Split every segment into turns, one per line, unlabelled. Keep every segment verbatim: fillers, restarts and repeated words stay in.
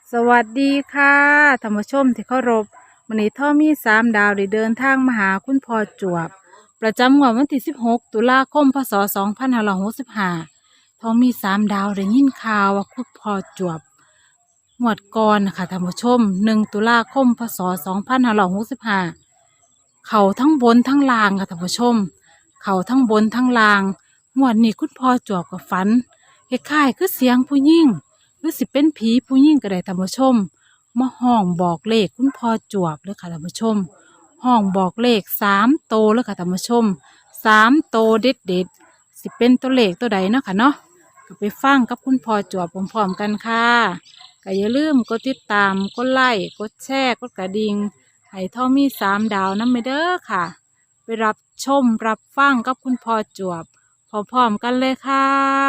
สวัสดีค่ะท่านผู้ชมที่เคารพวันนี้ท่อมีสามดาวได้เดินทางมาหาคุณพ่อจวบประจำงวดวันที่สิบหกตุลาคมพศสองพันห้าร้อยหกสิบห้าท่อมีสามดาวได้ยินข่าวว่าคุณพ่อจวบงวดก่อนนะคะท่านผู้ชมหนึ่งตุลาคมพศสองพันห้าร้อยหกสิบห้าเขาทั้งบนทั้งล่างค่ะท่านผู้ชม เขาทั้งบนทั้งล่างงวดนี้คุณพ่อจวบกับฝันคล้ายๆคือเสียงผู้หญิง หรือสิเป็นผีผู้หญิงก็ได้ท่านผู้ชมมาห้องบอกเลขคุณพ่อจวบเลยค่ะท่านผู้ชมห้องบอกเลขสามโตวเลยค่ะท่านผู้ชมสามโตวเด็ดเด็ดสิเป็นตัวเลขตัวใดเนาะค่ะเนาะก็ไปฟังกับคุณพ่อจวบพร้อมๆกันค่ะก็อย่าลืมกดติดตามกดไลค์กดแชร์กดกระดิ่งให้ท่อมีสามดาวนั่นไปเด้อค่ะไปรับชมรับฟังกับคุณพ่อจวบพร้อมๆกันเลยค่ะ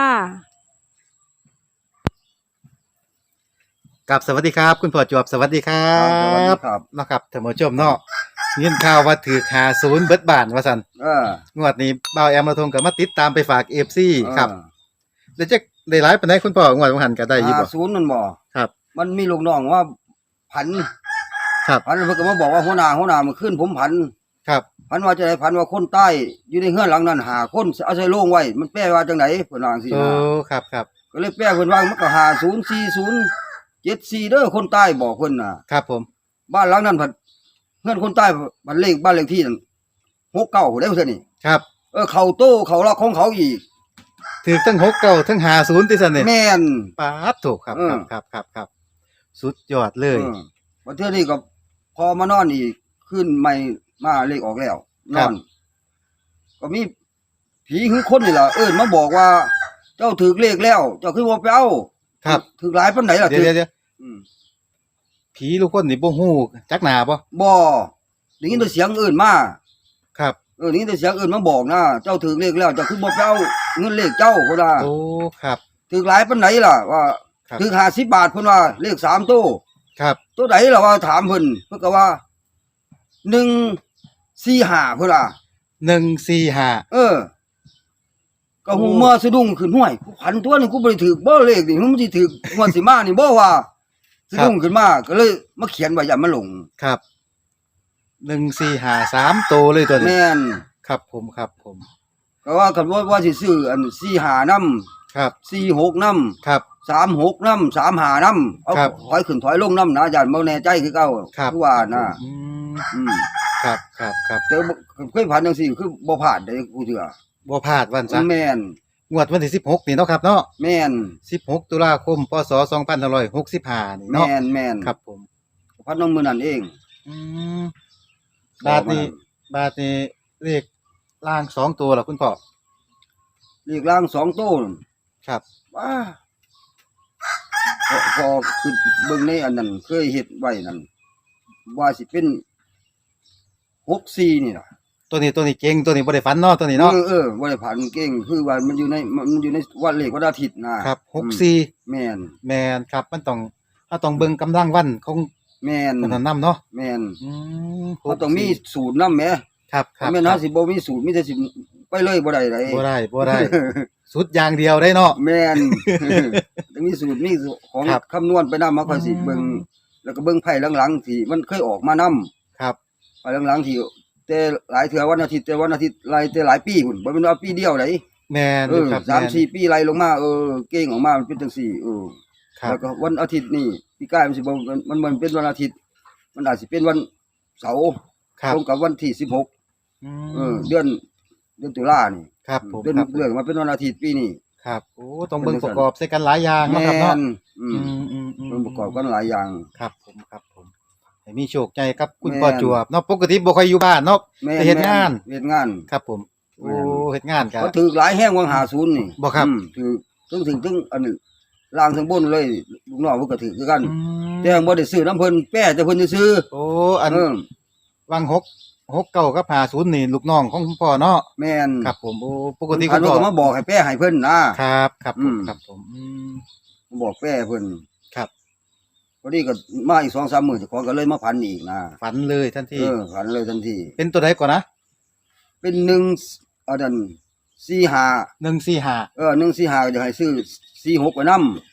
กับสวัสดีครับคุณพ่อจวบสวัสดีครั
ครับสวัสดี
บ
ครับ
เนาะครับท่านผู้ชมเนาะยินข่าวว่าถือหาศูนย์เบิดบานว่าซั่น
เออง
วดนี้บ่าวแอมมาทงก็มาติดตามไปฝาก เอฟ ซี
เออ
ครับแล้วจะได้หลายปานใดคุณพ่องวดบ่หันก็ได้อยู่บ่
ห้าศูนย์นั่นบ่
ครับ
มันมีลูกน้องว่าผัน
ครับ
ผันเพิ่นก็มาบอกว่าหัวหน้าหัวหน้ามันขึ้นผมผัน
ครับ
ผันว่าจะได้ผันว่าคนใต้อยู่ในเฮือนหลังนั้นหาคนเอาใส่โล่งไว้มันแปลว่าจังไดเพิ่นว่าจังซี่
โอ้
นะครับ
ครับ
ก็เลยแปลเพิ่นว่ามันก็ห้าศูนย์ สี่ศูนย์ เจ็ดสี่เด้อคนใต้บอกเพิ่นน่ะ
ครับผม
บ้านหลังนั้นผันเฮือนคนใต้บันเลขบ้านเลขที่นั่นหกเก้าได้เพิ่นนี่
ครับ
เออเข้าโตเข้าล็อกของเขาอีก
ถือทั้งหกเก้าทั้งห้าศูนย์ติซั่นนี่
แม่น
ปาดถูกครับ
เออ
ครับครับครับครับสุดยอดเลย
เออวันเทื่อนี้ก็พอมานอนอีกขึ้นใหม่มาเลขออกแล้วน
ครั
อบ น ก็มีผีคือคนนี่ล่ะเอิ้นมาบอกว่า เจ้าถือเลขแล้ว เจ้าคือบ่ไปเอา
ครับ
ถือหลายปานไหนล่ะ
เดี๋ยว
ถือ
เดี๋ยว
อืม
ผีลูกคนนี่บ่ฮู้จักหน้าบ่
บ่ได้ยินแต่เสียงเอิ้นมา
ครับ
เออได้ยินแต่เสียงเอิ้นมาบอกนะเจ้าถือเลขแล้ว เจ้าคือบ่ไปเอาเงินเลขเจ้าพุ่นน่ะ
โอ้ครับ
ถือหลายปานไหนล่ะว่า
ครับ
ถือห้าสิบบาทพุ่นว่าเลขสามตัว
ครับ
ตัวใดล่ะว่าถามเพิ่นเพิ่นก็ว่าหนึ่งสี่ห้าพุ่นล่ะ
หนึ่งสี่ห้า
เออ ก็หูเมื่อสะดุ้งขึ้นห้วยกูพันตัวนี่กูบ่ได้ถือบ่เลขนี่มันสิถืองวดสิมานี่บ่ว่าสะดุ้งขึ้นมาก็เลยมาเขียนไว้อย่ามาหลง
ครับหนึ่งสี่ห้าสามโตวเลยตัวนี้
แม่น
ครับผมครับผม
ก็ว่ากันว่าว่าสิซื้ออันสี่ห้านำ
ครับ
สี่หกนำ
ครับ
สามหกนำสามห้านำเอา
ครับ
ถอยขึ้นถอยลงนำนะอาจารย์บ่แน่ใจคือเก่า
ครับ
คือว่านะ
อืม
อืม
ครับครับครับ
แต่บ่เคยผ่านจังซี่คือบ่ผ่านได้กูเถื่อ
บ่พลาดวันซะ
แม่น
งวดวันที่สิบหกนี่เนาะครับเนาะ
แม่น
สิบหกตุลาคมพศสองพันห้าร้อยหกสิบห้านี่เนาะ
แม่นแม่น
ครับผม
พันน้องมื้อนั้นเอง
อืมบาทนี้บาทนี้เลขล่างสองตัวล่ะคุณพ่อ
เลขล่างสองโต้น
ครับ
ว้าพอพอคือเบิ่งในอันนั้นเคยเฮ็ดไว้นั่นว่าสิเป็นหกสี่นี่ล่ะ
ตัวนี้ตัวนี้เก่งตัวนี้บ่ได้ฝันเนาะตัวนี้เนาะ
เออเออบ่ได้ผ่านเก่งคือว่ามันอยู่ในมันอยู่ในวันเลขวันอาทิตย์นะครับ
หกสี่
แม่น
แม่นครับมันต้องถ้าต้องเบิ่งกำลังวันของ
แม่น
มันนั้นนํเนาะ
แม่น
อืม
เขาต้องมีสูตรนำแหม
ครับครับ
แม่น
ค
เฮา
รับ
สิบ่มีสูตรมีแต่สิไปเลยบ่ได้ได
บ่ได้บ่ได้ สุดอย่างเดียวได้เนาะ
แม่น ต้องมีสูตรมีของ
ครับ
คำนวณไปนำมาค่อยสิ
อืม
เบิ่งแล้วก็เบิ่งไพ่หลังๆที่มันเคยออกมานำ
ครับ
ไปหลังๆที่แต่หลายเทื่อวันอาทิตย์แต่วันอาทิตย์ไล่แต่หลายปีพุ่นบ่แม่นว่าปีเดียวได
แม่น
เอ
อยู่
อ
ครับ
สาม
แม่น
สี่ปีไล่ลงมาเออเก่งออกมามันเป็นจังซี่เออ
ครับ
แล้วก็วันอาทิตย์นี่ปีกายมันสิบ่มันมันมันเป็นวันอาทิตย์ มันอาจสิเป็นวันเสาร์
ครับ
ตรงกับวันที่สิบหก
อื
เออ
ม
เดือนเดือนตุลานี่
ครับผม
เดือน
ครับ
เรื่องมาเป็นวันอาทิตย์ปีนี้
ครับโอ้ต้องเบิ่งประกอบใส่กันหลายอย่างเนาะ
แม่
ครับเนาะ
นอื
อื
ม
มอืมอืม
มันประกอบกันหลายอย่าง
ครับผมครับผมให้มีโชคใจครับคุณ
แม่น
พ่อจวบเนาะปกติบ่ค่อยอยู่บ้านเนาะ
แม่
ไปเฮ็ดงาน
เฮ็ดงาน
ครับผมโอ้
แม่น
เฮ็ดงานกัน
เขาถือหลายแห้งวังหาศูนย์นี่
บ่ครับ
อืมถือถึงถึงถึงอันนี้ล่างถึงบนเลยลูกน้องเพิ่นก็ถือคือกัน
อืม
แต่ยังบ่ได้ซื้อน้ำเพิ่นแป้แต่เพิ่นซื้อ
โอ้อัน
เออ
วังหกหกเก้ากับห้าศูนย์นี่ลูกน้องของคุณพ่อเนาะ
แม่น
ครับผมโอ้ปกติ
อั
คุ
น
ณ
นั้
พ่
น
อ
ก็มาบอกให้แป้ให้เพิ่นนะครับ
ครับ
อื
ผม
ม
ครับผมอืม
มาบอกแป้เพิ่น
ครับ
พอดีก็มาอีก สองสาม มื้อเจ้าของก็เลยมาพันอีกนะ
ฝันเลยทันที
เออพันเลยทันที
เป็นตัวใดก่อนนะ
เป็นหนึ่งอันนั้นสี่ห้า
หนึ่งสี่ห้า
เออหนึ่งสี่ห้าก็จะให้ซื้อสี่หกไว้นำ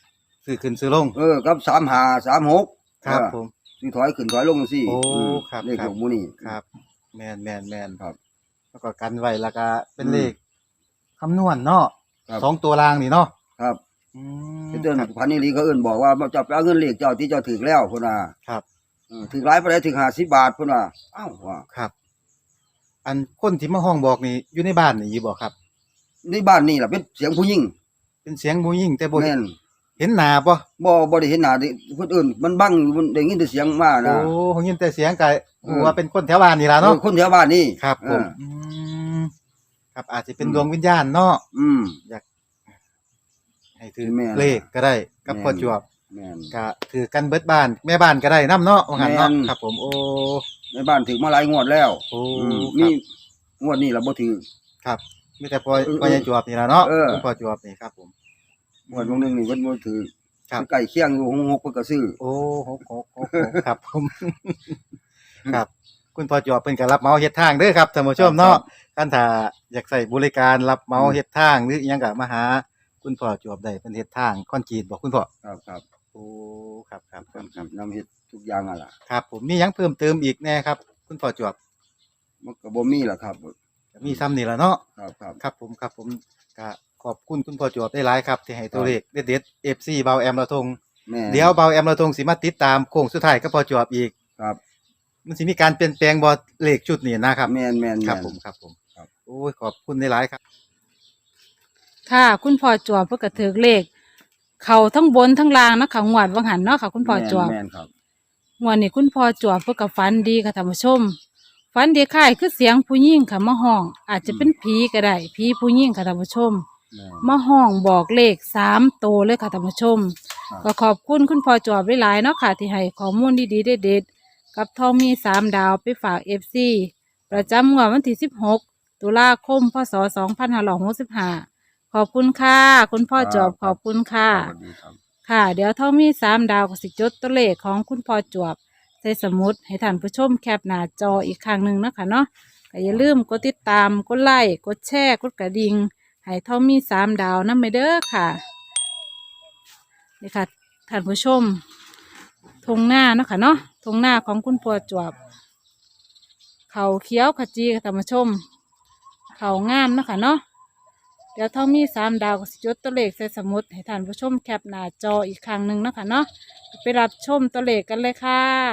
ซื้อขึ้นซื้อลง
เออกับสามห้าสามหก
ครับ
เออ
ผม
ซื้อถอยขึ้นถอยลงจังซี่
โอ้
อืม
ครับ
เลข
ครั
ข
บ
องหมู่นี่
ครับ แม่นแม่นแม่น
ครับ
แล้วก็กันไว้แล้วก็เป็น
อืม
เลขคำนวณเนาะ
ครับ
สองตัวรางนี่เนาะ
ครับ
อืม
เดือน
ครับ
พันนี่ลีเขาเอิ้นบอกว่าเจ้าไปเอาเงินเลขเจ้าที่เจ้าถึกแล้วพุ่นน่ะ
ครับ
เออถึกหลายปานใดถึกห้าสิบบาทพุ่นน่ะอ้าวว่า
ครับ อันคนที่มาห้องบอกนี่อยู่ในบ้านนี่อยู่บ่ครับ
ในบ้านนี่ล่ะเป็นเสียงผู้หญิง
เป็นเสียงผู้หญิงแต่บ่
แม่น
เห็นหน้าบ่
บ่บ่ได้เห็นหน้าดิคนอื่นมันบังมันได้ยินแต่เสียงมา
โอ้
นะ
ผมยินแต่เสียงก็
เออ
ว่าเป็นคนแถวบ้านนี่ล่ะ
เอ
เนาะ
อคนแถวบ้านนี่
ครับผม
เออ
อืมครับอาจจะเป็น
อืม
ดวงวิญญาณเนาะ
อืม
ให้ถือ
แม่น
เลขก็ได้กับ
แม่น
พ่อจวบ
แม่น
ก็ถือกันเบิดบ้านแม่บ้านก็ได้นํเนาะว่างั้นเนาะ
แม่น
ครับผมโอ้
ในบ้านถึกมาหลายงวดแล้ว
โอ้
อืม
ครั
มี
บ
งวดนี้ล่ะบ่ถือ
ครับมีแต่พ่อ
เออ
พ่อใหญ่จวบนี่ล่ะเนาะ
เออ
คุณพ่อจวบนี่ครับผม
งวดวงหนึงนี่เพิ่นบ่ถือ
ครับ
ใกล้เคียงอยู่หกหกเพิ่นก็ซื้อ
โอ้หกหกหกหกครับผม ครับ คุณพ่อจวบเพิ่นก็รับเหมาเฮ็ดทางเด้อครับท่านผู้ชมเนาะคันถ้าอยากใช้บริการรับเหมาเฮ็ดทางหรืออิหยังก็มาหาคุณพ่อจวบได้เพิ่นเฮ็ดทางคอนกรีตบ่คุณพ่อ
ครับครับ
โอ้ครับครับค
ค
รั
รั
บบ ครับ
นำเฮ็ดทุกอย่างอ่ะล่ะ
ครับผมมีหยังเพิ่มเติมอีกแน่ครับ คุณพ่อจวบ
มันก็บ่มีล่ะครับ
มีซ้ำนี่ล่ะเนาะ
ครับครับ
ครับผมครับผมก็ขอบคุณคุณพ่อจวบได้หลายครับที่ให้ตัวเลขเด็ดๆ เอฟ ซี เบาแอมละทง
แม่
เดี๋ยวเบาแอมละทงสิมาติดตามโค้งสุดท้ายกับพ่อจวบอีก
ครับ
มันสิมีการเปลี่ยนแปลงบ่เลขชุดนี้นะครับ
แม่นแม่น
ครับ
แม่น
ผมครับผม
ครับ
โอ้ยขอบคุณได้หลายครับ
ค่ะ คุณพ่อจวบเพื่อกระถือเลข เขาทั้งบนทั้งล่างเนาะค่ะงวดวังหันเนาะค่ะ คุณพ่อจวบ
แม่นครับ
งวดนี้คุณพ่อจวบเพื่อกับฝันดีค่ะท่านผู้ชมฝันดีค่ายคือเสียงผู้หญิงค่ะมาห้อง อาจจะเป็นผีก็ได้ผีผู้หญิงค่ะท่านผู้ชม
แม่น
มาห้องบอกเลขสามโตวเลยค่ะท่านผู้ชม
ครับ
ก็ขอบคุณคุณพ่อจวบหลายๆเนาะค่ะที่ให้ข้อมูลดีๆเด็ดๆกับทองมีสามดาวไปฝากเอฟซีประจำงวดวันที่สิบหกตุลาคมพศสองพันห้าร้อยหกสิบห้าขอบคุณค่ะ คุณพ่อจวบขอบคุณค่ะ
สวัสดีครับ
ค่ะ เดี๋ยวทองมีสามดาวก็สิจดตัวเลขของคุณพ่อจวบใส่สมุดให้ท่านผู้ชมแคปหน้าจออีกครั้งหนึ่งเนาะคะเนาะก็อย่าลืมกดติดตามกดไลค์กดแชร์กดกระดิ่งให้ทองมีสามดาวนั่นไปเด้อค่ะนี่ค่ะท่านผู้ชมทงหน้าเนาะค่ะเนาะทงหน้าของคุณพ่อจวบเขาเขียวขจีค่ะท่านผู้ชม เขางามเนาะค่ะเนาะเดี๋ยวทองมีสามดาวก็สิจดตัวเลขใส่สมุดให้ท่านผู้ชมแคปหน้าจออีกครั้งหนึ่งเนาะค่ะเนาะไปรับชมตัวเลขกันเลยค่ะ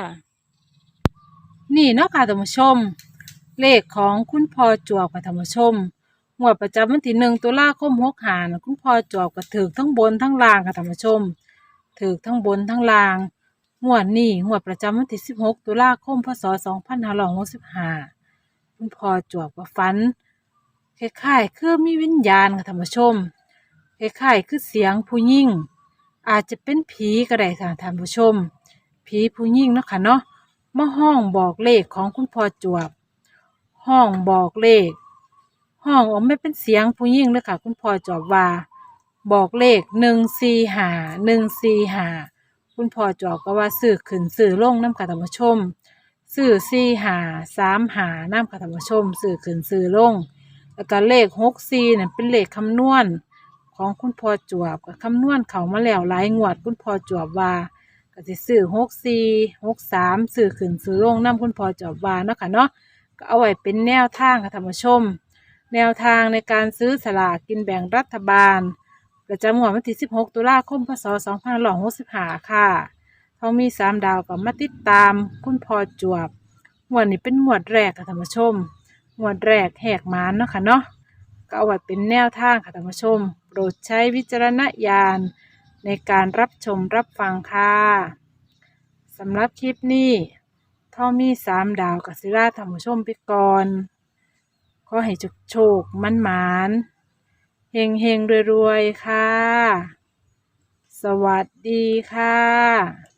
นี่เนาะค่ะท่านผู้ชม เลขของคุณพ่อจวบค่ะท่านผู้ชมงวดประจำวันที่หนึ่งตุลาคมหกห้าน่ะคุณพ่อจวบก็ถือทั้งบนทั้งล่างค่ะท่านผู้ชมถือทั้งบนทั้งล่างงวดนี้งวดประจำวันที่สิบหกตุลาคมพศสองพันห้าร้อยหกสิบห้าคุณพ่อจวบก็ฝันคล้ายๆคือมีวิญญาณค่ะท่านผู้ชมคล้ายๆคือเสียงผู้หญิงอาจจะเป็นผีก็ได้ค่ะท่านผู้ชมผีผู้หญิงเนาะค่ะเนาะมาห้องบอกเลขของคุณพ่อจวบ ห้องบอกเลข ห้องออกไม่เป็นเสียงผู้หญิงเลยค่ะ คุณพ่อจอบว่า บอกเลขหนึ่งสี่หาหนึ่งสี่หาคุณพ่อจอบก็ว่าซื้อขึ้นซื้อลงน้ำค่ะท่านผู้ชมซื้อสี่หาสามหาน้ำค่ะท่านผู้ชมซื้อขึ้นซื้อลง แล้วก็เลขหกสี่เนี่ยเป็นเลขคำนวณของคุณพ่อจวบก็คำนวณเขามาแล้วหลายงวด คุณพ่อจวบว่าก็จะซื้อหกสี่หกสามซื้อขึ้นซื้อลงน้ำคุณพ่อจวบว่าเนาะค่ะเนาะ ก็เอาไว้เป็นแนวทางค่ะท่านผู้ชม แนวทางในการซื้อสลากกินแบ่งรัฐบาล ประจำงวดวันที่สิบหกตุลาคมพศสองพันห้าร้อยหกสิบห้าค่ะเขามีสามดาวกับมาติดตามคุณพ่อจวบงวดนี้เป็นงวดแรกค่ะท่านผู้ชมงวดแรกแหกมานเนาะค่ะเนาะก็เอาไว้เป็นแนวทางค่ะท่านผู้ชมโปรดใช้วิจารณญาณในการรับชมรับฟังค่ะสำหรับคลิปนี้ ท่อมีสามดาวกับศิลาธรรมชมไปก่อน ขอให้โชคโชคมันหมานเฮงเฮงรวยๆ ค่ะ สวัสดีค่ะ